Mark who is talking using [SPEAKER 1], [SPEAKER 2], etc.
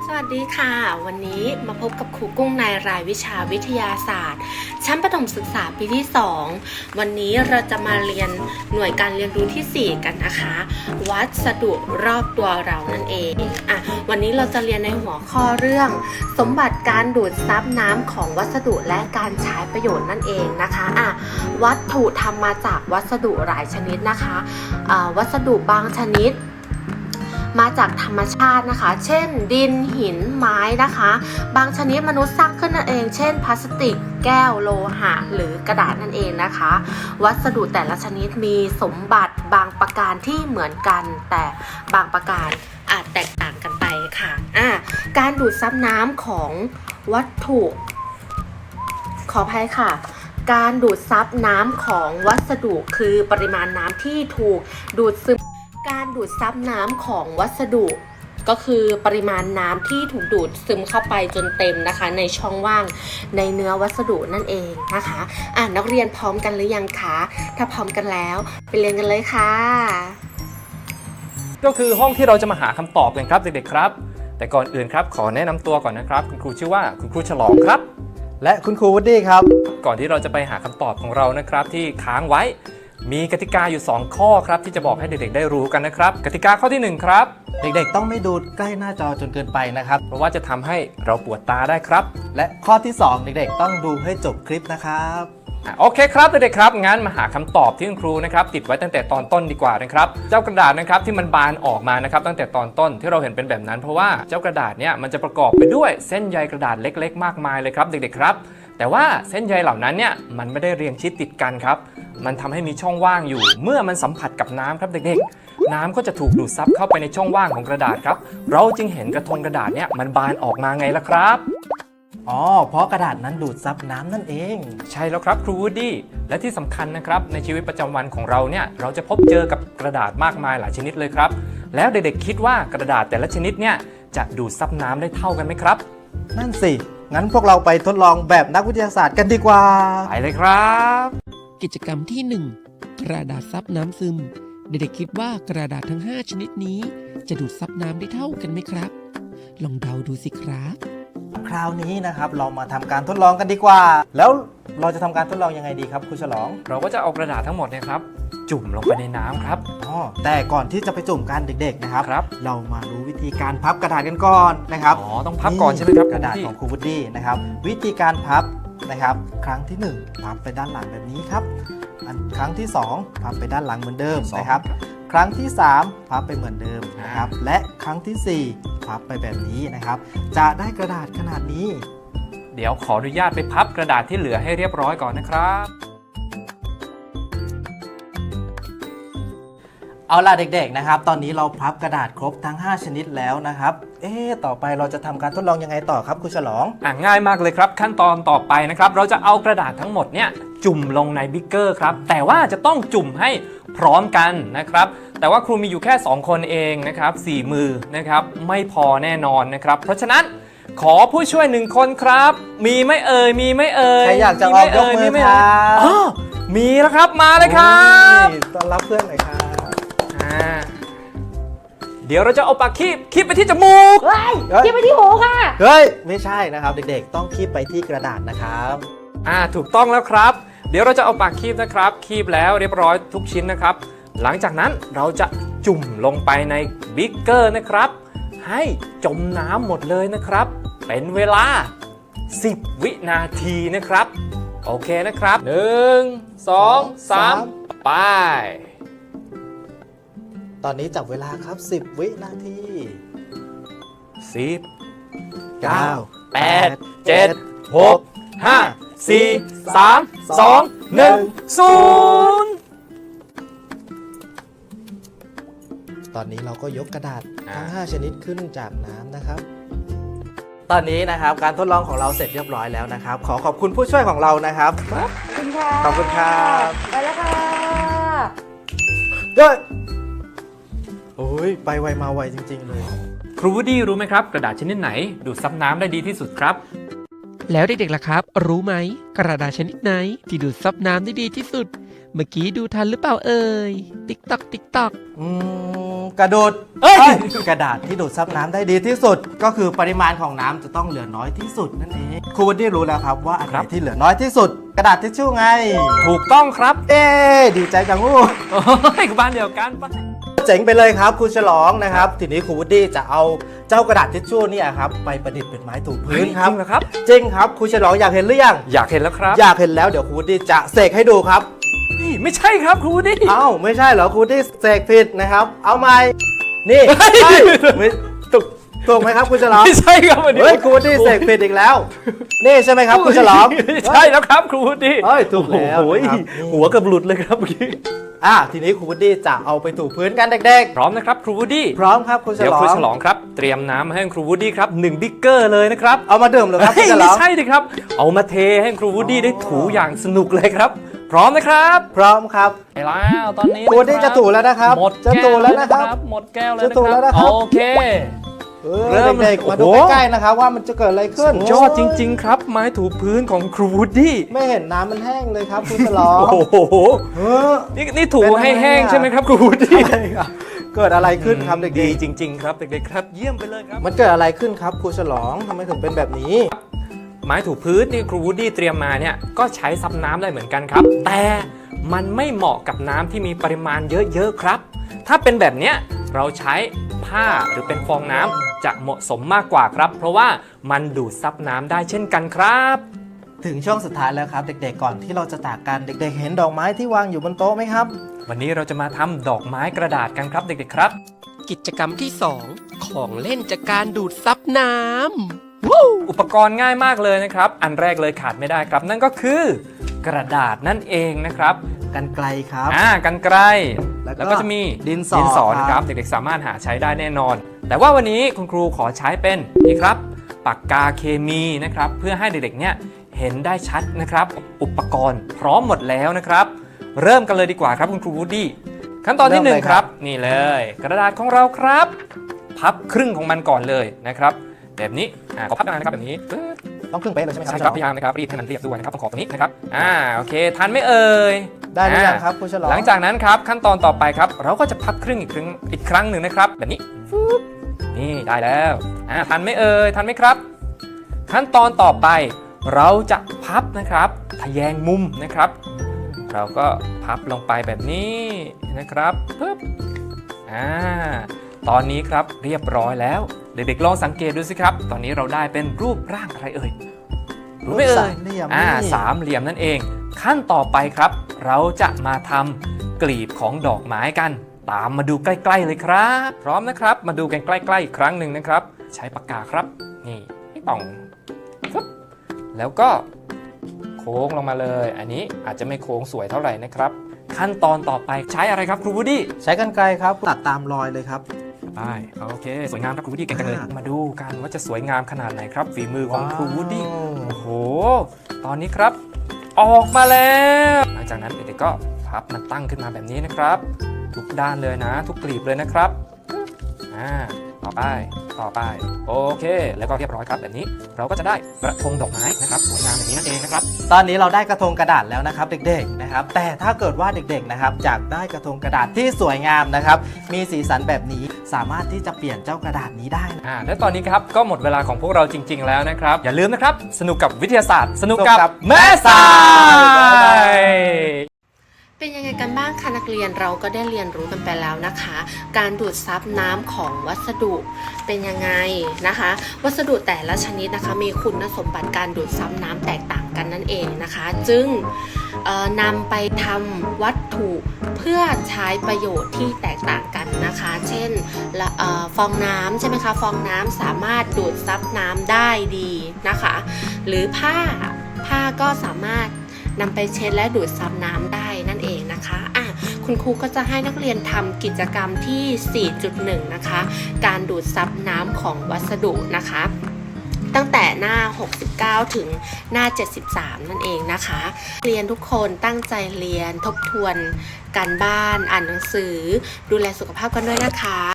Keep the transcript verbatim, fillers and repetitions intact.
[SPEAKER 1] สวัสดีค่ะวันนี้มาพบกับครูกุ้งในรายวิชาวิทยาศาสตร์ชั้นประถมศึกษาปีที่สองวันนี้เราจะมาเรียนหน่วยการเรียนรู้ที่สี่กันนะคะวัสดุรอบตัวเรานั่นเองอ่ะวันนี้เราจะเรียนในหัวข้อเรื่องสมบัติการดูดซับน้ำของวัสดุและการใช้ประโยชน์นั่นเองนะคะอ่ะวัตถุทำมาจากวัสดุหลายชนิดนะคะอ่าวัสดุบางชนิดมาจากธรรมชาตินะคะเช่นดินหินไม้นะคะบางชนิดมนุษย์สร้างขึ้นนั่นเองเช่นพลาสติกแก้วโลหะหรือกระดาษนั่นเองนะคะวัสดุแต่ละชนิดมีสมบัติบางประการที่เหมือนกันแต่บางประการอาจแตกต่างกันไปค่ะอ่ะการดูดซับน้ำของวัตถุขออภัยค่ะการดูดซับน้ำของวัสดุคือปริมาณน้ำที่ถูกดูดซึมการดูดซับน้ำของวัสดุก็คือปริมาณน้ำที่ถูกดูดซึมเข้าไปจนเต็มนะคะในช่องว่างในเนื้อวัสดุนั่นเองนะคะอ่ะนักเรียนพร้อมกันหรือยังคะถ้าพร้อมกันแล้วไปเรียนกันเลยค่ะ
[SPEAKER 2] ก็คือห้องที่เราจะมาหาคำตอบกันครับเด็กๆครับแต่ก่อนอื่นครับขอแนะนำตัวก่อนนะครับคุณครูชื่อว่าคุณครูฉลองครับ
[SPEAKER 3] และคุณครูวูดดี้ครับ
[SPEAKER 2] ก่อนที่เราจะไปหาคำตอบของเรานะครับที่ค้างไว้มีกติกาอยู่สองข้อครับที่จะบอกให้เด็กๆได้รู้กันนะครับกติกาข้อที่หนึ่งครับ
[SPEAKER 3] เด็กๆต้องไม่ดูใกล้หน้าจอจนเกินไปนะครับ
[SPEAKER 2] เพราะว่าจะทำให้เราปวดตาได้ครับ
[SPEAKER 3] และข้อที่สองเด็กๆต้องดูให้จบคลิปนะครับ
[SPEAKER 2] โอเคครับเด็กๆครับงั้นมาหาคำตอบที่คุณครูนะครับติดไว้ตั้งแต่ตอนต้นดีกว่านะครับเจ้ากระดาษนะครับที่มันบานออกมานะครับตั้งแต่ตอนต้นที่เราเห็นเป็นแบบนั้นเพราะว่าเจ้ากระดาษเนี่ยมันจะประกอบไปด้วยเส้นใยกระดาษเล็กๆมากมายเลยครับเด็กๆครับแต่ว่าเส้นใยเหล่านั้นเนี่ยมันไม่ได้เรียงชิดติดกันครับมันทำให้มีช่องว่างอยู่เมื่อมันสัมผัสกับน้ำครับเด็กๆน้ำก็จะถูกดูดซับเข้าไปในช่องว่างของกระดาษครับเราจึงเห็นกระทงกระดาษเนี่ยมันบานออกมาไงล่ะครับ
[SPEAKER 3] อ๋อเพราะกระดาษนั้นดูดซับน้ำนั่นเอง
[SPEAKER 2] ใช่แล้วครับครูวูดดี้และที่สำคัญนะครับในชีวิตประจำวันของเราเนี่ยเราจะพบเจอกับกระดาษมากมายหลายชนิดเลยครับแล้วเด็กๆคิดว่ากระดาษแต่ละชนิดเนี่ยจะดูดซับน้ำได้เท่ากันไหมครับ
[SPEAKER 3] นั่นสิงั้นพวกเราไปทดลองแบบนักวิทยาศาสตร์กันดีกว่า
[SPEAKER 2] ไปเลยครับ
[SPEAKER 4] กิจกรรมที่หนึ่งกระดาษซับน้ำซึมเด็กๆคิดว่ากระดาษทั้งห้าชนิดนี้จะดูดซับน้ำได้เท่ากันไหมครับลองเดาดูสิครับ
[SPEAKER 3] คราวนี้นะครับเรามาทำการทดลองกันดีกว่าแล้วเราจะทำการทดลองยังไงดีครับครูฉลอง
[SPEAKER 2] เราก็จะเอากระดาษทั้งหมดเนี่ยครับจุ่มลงไปในน้ำครับ
[SPEAKER 3] อ๋อแต่ก่อนที่จะไปจุ่มกันเด็กๆนะครับ
[SPEAKER 2] ครับ
[SPEAKER 3] เรามารู้วิธีการพับกระดาษกันก่อนนะครับ
[SPEAKER 2] อ๋อต้องพับก่อนใช่ไหมครับ
[SPEAKER 3] กระดาษของครูวูดดี้นะครับวิธีการพับนะครับครั้งที่หนึ่งพับไปด้านหลังแบบนี้ครับครั้งที่สองพับไปด้านหลังเหมือนเดิมนะครับครั้งที่สามพับไปเหมือนเดิมนะครับและครั้งที่สี่พับไปแบบนี้นะครับจะได้กระดาษขนาดนี้
[SPEAKER 2] เดี๋ยวขออนุญาตไปพับกระดาษที่เหลือให้เรียบร้อยก่อนนะครับ
[SPEAKER 3] เอาล่ะเด็กๆนะครับตอนนี้เราพับกระดาษครบทั้งห้าชนิดแล้วนะครับเอ๊ะต่อไปเราจะทำการทดลองยังไงต่อครับครูฉลอง
[SPEAKER 2] อ่ะง่ายมากเลยครับขั้นตอนต่อไปนะครับเราจะเอากระดาษทั้งหมดเนี่ยจุ่มลงในบิ๊กเกอร์ครับแต่ว่าจะต้องจุ่มให้พร้อมกันนะครับแต่ว่าครูมีอยู่แค่สองคนเองนะครับสี่มือนะครับไม่พอแน่นอนนะครับเพราะฉะนั้นขอผู้ช่วยหนึ่งคนครับมีไม่เอ่ยมีไม่เอ่ย
[SPEAKER 3] ใครอยากจะออกยกมือครับ
[SPEAKER 2] อ๋อมีแล้วครับมาเลยครับ
[SPEAKER 3] ต้อนรับเพื่อนหน่อยครับ
[SPEAKER 2] เดี๋ยวเราจะเอาปากคีบคีบไปที่จมูก
[SPEAKER 1] เฮ้ยคีบไปที่หูค่ะ
[SPEAKER 3] เฮ้ยไม่ใช่นะครับเด็กๆต้องคีบไปที่กระดาษนะครับ
[SPEAKER 2] อ่าถูกต้องแล้วครับเดี๋ยวเราจะเอาปากคีบนะครับคีบแล้วเรียบร้อยทุกชิ้นนะครับหลังจากนั้นเราจะจุ่มลงไปในบิ๊กเกอร์นะครับให้จมน้ำหมดเลยนะครับเป็นเวลาสิบวินาทีนะครับโอเคนะครับหนึ่ง สอง สามไป
[SPEAKER 3] ตอนนี้จับเวลาครับสิบวินาที
[SPEAKER 2] สิบ
[SPEAKER 3] เก้า
[SPEAKER 2] แปด เจ็ด หก ห้า สี่ สาม สอง หนึ่ง ศูนย์
[SPEAKER 3] ตอนนี้เราก็ยกกระดาษทั้งห้าชนิดขึ้นจากน้ำนะครับตอนนี้นะครับการทดลองของเราเสร็จเรียบร้อยแล้วนะครับขอขอบคุณผู้ช่วยของเรานะครับ
[SPEAKER 1] ขอบคุณค่ะ
[SPEAKER 3] ขอบคุณครับ
[SPEAKER 1] ไปแล้วค่ะ
[SPEAKER 3] เฮ้ยโอ้ยไปไวมาไวจริงๆเลย
[SPEAKER 2] ครูวูดดี้รู้ไหมครับกระดาษชนิดไหนดูดซับน้ำได้ดีที่สุดครับ
[SPEAKER 4] แล้วเด็กๆล่ะครับรู้ไหมกระดาษชนิดไหนที่ดูดซับน้ำได้ดีที่สุดเมื่อกี้ดูทันหรือเปล่าเอ่ย ติ๊กตอกติ๊กตอก
[SPEAKER 3] อืมกระโดด
[SPEAKER 2] เอ้ย
[SPEAKER 3] เอ้ยกระดาษที่ดูดซับน้ำได้ดีที่สุด ก็คือปริมาณของน้ำจะต้องเหลือน้อยที่สุดนั่นเองครูวันนี้รู้แล้วครับว่าอันไหนที่เหลือน้อยที่สุด กระดาษทิชชู่ไง
[SPEAKER 2] ถูกต้องครับ
[SPEAKER 3] เอ๊ดีใจจังวู้
[SPEAKER 2] โอ้ยบ้านเดียวกันปะ
[SPEAKER 3] เจ๋งไปเลยครับครูฉลองนะครับ ทีนี้ครูวูดดี้จะเอาเจ้ากระดาษทิชชู่เนี่ยครับไปประดิษฐ์เป็นไม้ถูพื้นครับ
[SPEAKER 2] จริงเหรอครับ
[SPEAKER 3] จริงครับครูฉลองอยากเห็นหรือยัง
[SPEAKER 2] อยากเห็นแล้วครับ
[SPEAKER 3] อยากเห็นแล้วเดี๋ยวครูวูดดี้จะเสกให้ดูครับ
[SPEAKER 2] นี่ไม่ใช่ครับครูดิ
[SPEAKER 3] เอ้าไม่ใช่เหรอครูวูดดี้เสกผิดนะครับ เอาใหม่นี่
[SPEAKER 2] เฮ้ย
[SPEAKER 3] เฮ้ยไม่ถูกถูกไหมครับครูฉลอง
[SPEAKER 2] ไม่ใช่ครับวันนี้
[SPEAKER 3] เฮ้ยครูวูดดี้เสกผิดอีกแล้ว นี่ใช่ไหมครับครูฉลอง
[SPEAKER 2] ใช่แล้วครับครูดิ
[SPEAKER 3] เฮ้ยถูกแล้ว
[SPEAKER 2] โอ้ย
[SPEAKER 3] นะครับ
[SPEAKER 2] หัวเกับหลุดเลยครับเมื่อกี้
[SPEAKER 3] อ่ะทีนี้ครูวูดดี้จะเอาไปถูพื้นกันเด็ก
[SPEAKER 2] พร้อมนะครับครูวูดดี้
[SPEAKER 3] ๆ พร้อมครับครูฉ
[SPEAKER 2] เดี๋ยว
[SPEAKER 3] ลอ
[SPEAKER 2] ครู
[SPEAKER 3] ง
[SPEAKER 2] ฉลองครับเตรียมน้ำมาให้ครูวูดดี้ครับหนึ่งบิ๊กเกอร์เลยนะครับ
[SPEAKER 3] เอามาดื่มเหรอครับครู
[SPEAKER 2] เฮ้ย
[SPEAKER 3] ฉล
[SPEAKER 2] ไม่
[SPEAKER 3] อง
[SPEAKER 2] ใช่ดิครับ เอามาเทให้ครูวูดดี้ได้ถูอย่างสนุกเลยครับ พร้อมนะครับ
[SPEAKER 3] พร้อมครับ
[SPEAKER 2] ไปแล้วตอนนี้
[SPEAKER 3] ครูวูดดี้จะถูแล้วนะครับ
[SPEAKER 2] หมด
[SPEAKER 3] จะ
[SPEAKER 2] แก้
[SPEAKER 3] ถู
[SPEAKER 2] ว
[SPEAKER 3] แล้วนะครับ
[SPEAKER 2] หมดแก้วแล้ว
[SPEAKER 3] จะถูแล้วนะครับ
[SPEAKER 2] โอเค
[SPEAKER 3] เออ
[SPEAKER 2] เริ่ม
[SPEAKER 3] เด็กๆมาดู
[SPEAKER 2] โอ้โห
[SPEAKER 3] ใกล้ๆนะครับว่ามันจะเกิดอะไรขึ้น
[SPEAKER 2] ยอดจริง ๆ ครับ ไม้ถูพื้นของครูวูดดี้
[SPEAKER 3] ไม่เห็นน้ำมันแห้งเลยครับครูฉลอง
[SPEAKER 2] โอ้โห
[SPEAKER 3] เออ
[SPEAKER 2] นี่นี่ถู
[SPEAKER 3] เป็นอะไร
[SPEAKER 2] ให้แห้ง
[SPEAKER 3] อ่ะ
[SPEAKER 2] ใช่ไหมครับครูวูดดี้
[SPEAKER 3] อะไรอ่ะเกิดอะไรขึ้นครับเด็
[SPEAKER 2] ดี
[SPEAKER 3] ก
[SPEAKER 2] จริง ๆ ครับเด็กๆครับเยี่ยมไปเลยครับ
[SPEAKER 3] ๆมันเกิดอะไรขึ้นครับครูฉลองทำไมถึงเป็นแบบนี้
[SPEAKER 2] ไม้ถูพื้นที่ครูวูดดี้เตรียมมาเนี่ยก็ใช้ซับน้ำได้เหมือนกันครับ แต่มันไม่เหมาะกับน้ำที่มีปริมาณเยอะๆครับ ถ้าเป็นแบบเนี้ยเราใช้ผ้าหรือเป็นฟองน้ำจะเหมาะสมมากกว่าครับ เพราะว่ามันดูดซับน้ำได้เช่นกันครับ
[SPEAKER 3] ถึงช่วงสุดท้ายแล้วครับ เด็กๆก่อนที่เราจะจากกันเด็กๆ เห็นดอกไม้ที่วางอยู่บนโต๊ะไหมครับ
[SPEAKER 2] วันนี้เราจะมาทำดอกไม้กระดาษกันครับเด็กๆครับ
[SPEAKER 4] กิจกรรมที่สองของเล่นจากการดูดซับน้ำวู้
[SPEAKER 2] อุปกรณ์ง่ายมากเลยนะครับ อันแรกเลยขาดไม่ได้ครับ นั่นก็คือ กระดาษนั่นเองนะครับ
[SPEAKER 3] กันไกลครับ
[SPEAKER 2] อ่ากันไกล
[SPEAKER 3] แล้วก็
[SPEAKER 2] แล้วก็จะมี
[SPEAKER 3] ดินสอ
[SPEAKER 2] ดินสอ
[SPEAKER 3] ครับ
[SPEAKER 2] นะครับเด็กๆสามารถหาใช้ได้แน่นอน แต่ว่าวันนี้คุณครูขอใช้เป็นนี่ครับปากกาเคมีนะครับเพื่อให้เด็กๆเนี่ยเห็นได้ชัดนะครับ อุปกรณ์พร้อมหมดแล้วนะครับ เริ่มกันเลยดีกว่าครับคุณครูวูดดี้ขั้นตอนที่หนึ่งครับนี่เลย กระดาษของเราครับ พับครึ่งของมันก่อนเลยนะครับแบบนี้อ่าขอพับนะครับแบบนี้ปึ๊บ
[SPEAKER 3] ต้องครึ่งเป๊ะเลยใช่ไหมครั
[SPEAKER 2] ใช่
[SPEAKER 3] บ
[SPEAKER 2] ครับพยายามนะครับรีดให้มันเรียบด้วยนะครับต้องขอบตรงนี้นะครับอ่าโอเคทันไหม่เอ่ย
[SPEAKER 3] ได้หรือยัง
[SPEAKER 2] อ่า
[SPEAKER 3] ครับครูฉลอง
[SPEAKER 2] หลังจากนั้นครับขั้นตอนต่อไปครับ เราก็จะพับครึ่งอีกครั้งอีกครั้งหนึ่งนะครับ แบบนี้ฟึ๊บนี่ได้แล้วอ่าทันไหม่เอ่ยทันไหมครับ ขั้นตอนต่อไป เราจะพับนะครับทะแยงมุมนะครับ เราก็พับลงไปแบบนี้นะครับปึ๊บอ่าตอนนี้ครับเรียบร้อยแล้วเด็กๆลองสังเกตดูสิครับ ตอนนี้เราได้เป็นรูปร่างอะไรเอ่ยรู้ไหมเอ่
[SPEAKER 3] สาย มเหลี่ยม
[SPEAKER 2] อ่า
[SPEAKER 3] นี่
[SPEAKER 2] สามเหลี่ยมนั่นเอง ขั้นต่อไปครับ เราจะมาทำกลีบของดอกไม้กัน ตามมาดูใกล้ๆเลยครับ พร้อมนะครับ มาดูกันใกล้ๆอีกครั้งหนึ่งนะครับ ใช้ปากกาครับนี่ให้ป่องฟึ๊บแล้วก็โค้งลงมาเลย อันนี้อาจจะไม่โค้งสวยเท่าไหร่นะครับ ขั้นตอนต่อไปใช้อะไรครับครูวูดดี้
[SPEAKER 3] ใช้กันไกลครับตัดตามรอยเลยครับ
[SPEAKER 2] ไปโอเค สวยงามครับครูวูดดี้เก่งจังเลย
[SPEAKER 3] อ่าม
[SPEAKER 2] มาดูกันว่าจะสวยงามขนาดไหนครับ ฝีมือของครูวูดดี้
[SPEAKER 3] ว้าว
[SPEAKER 2] โอ้โห ตอนนี้ครับ ออกมาแล้ว หลังจากนั้นเด็กๆก็พับมันตั้งขึ้นมาแบบนี้นะครับ ทุกด้านเลยนะ ทุกกลีบเลยนะครับอ่าต่อไปต่อไปโอเค แล้วก็เรียบร้อยครับแบบนี้ เราก็จะได้กระทงดอกไม้นะครับสวยงามแบบนี้นั่นเองนะครับ
[SPEAKER 3] ตอนนี้เราได้กระทงกระดาษแล้วนะครับเด็กๆนะครับ แต่ถ้าเกิดว่าเด็กๆนะครับอยากได้กระทงกระดาษที่สวยงามนะครับ มีสีสันแบบนี้สามารถที่จะเปลี่ยนเจ้ากระดาษนี้ได้นะ
[SPEAKER 2] อ่าและตอนนี้ครับก็หมดเวลาของพวกเราจริง ๆ แล้วนะครับ อย่าลืมนะครับ สนุกกับวิทยาศาสตร์ สนุกกับแม่สาย
[SPEAKER 1] เป็นยังไงกันบ้างคะนักเรียนเราก็ได้เรียนรู้กันไปแล้วนะคะ การดูดซับน้ำของวัสดุเป็นยังไงนะคะ วัสดุแต่ละชนิดนะคะมีคุณสมบัติการดูดซับน้ำแตกต่างกันนั่นเองนะคะ จึงเอ่อนำไปทำวัตถุเพื่อใช้ประโยชน์ที่แตกต่างกันนะคะ เช่นละเอ่อฟองน้ำใช่ไหมคะฟองน้ำสามารถดูดซับน้ำได้ดีนะคะ หรือผ้าผ้าก็สามารถนำไปเช็ดและดูดซับน้ำได้นั่นเองนะคะอ่ะคุณครูก็จะให้นักเรียนทำกิจกรรมที่ สี่จุดหนึ่ง นะคะ การดูดซับน้ำของวัสดุนะคะ ตั้งแต่หน้า หกสิบเก้า ถึงหน้า เจ็ดสิบสาม นั่นเองนะคะ เรียนทุกคนตั้งใจเรียนทบทวนการบ้านอ่านหนังสือ ดูแลสุขภาพกันด้วยนะคะ